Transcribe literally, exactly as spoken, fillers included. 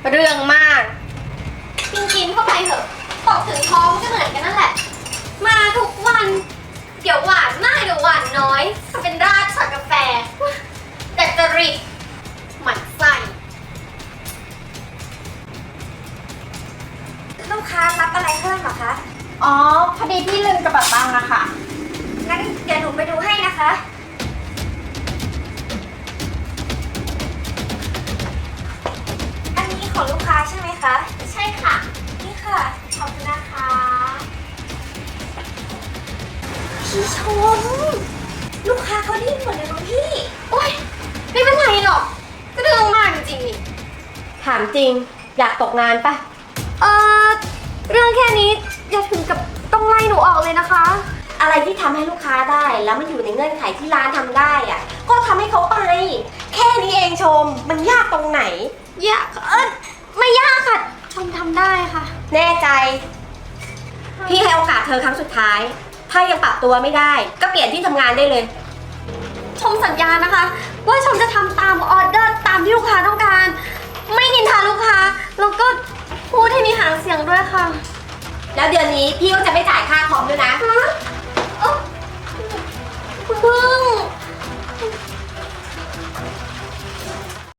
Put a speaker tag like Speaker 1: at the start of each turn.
Speaker 1: เรื่องมาก
Speaker 2: กินกินเข้าไปเถอะตกถึงท้องก็เหมือนกันนั่นแหละ มาทุกวัน เดี๋ยวหวานมากเดี๋ยวหวานน้อยทำเป็นราดช็อตกาแฟแต่จริตหมันไส้ลูกค้ารับอะไรเพิ่มหรอคะ
Speaker 1: อ๋อ พอดีพี่ลืมกระเป๋าตังค์อะค่ะ
Speaker 2: งั้นเดี๋ยวหนูไปดูให้นะคะอันนี้ของลูกค้าใช่ไหมคะใช่ค่ะนี่ค่ะขอบคุณนะคะพี่ชมลูกค้าเขาดีหมดเลยน้องพี่โอ๊ยไม่เป็นไรหรอกก็เรื่องมากจริงๆนี่
Speaker 1: ถามจริง อยากตกงานปะ
Speaker 2: เออเรื่องแค่นี้อย่าถึงกับต้องไล่หนูออกเลยนะคะ
Speaker 1: อะไรที่ทำให้ลูกค้าได้แล้วมันอยู่ในเงื่อนไขที่ร้านทำได้อะก็ทำให้เขาไป แค่นี้เองชม มันยากตรงไหน
Speaker 2: ยากเออไม่ยากค่ะชมทำได้ค่ะ
Speaker 1: แน่ใจ พี่ให้โอกาสเธอครั้งสุดท้าย ถ้ายังปรับตัวไม่ได้ ก็เปลี่ยนที่ทำงานได้เลย
Speaker 2: ชมสัญญานะคะ ว่าชมจะทำตามออเดอร์ตามที่ลูกค้าต้องการ ไม่นินทาลูกค้าแล้วก็พูดให้มีหางเสียงด้วยค่ะ
Speaker 1: แล้วเดือนนี้พี่ก็จะไม่จ่ายค่าคอมด้วยนะ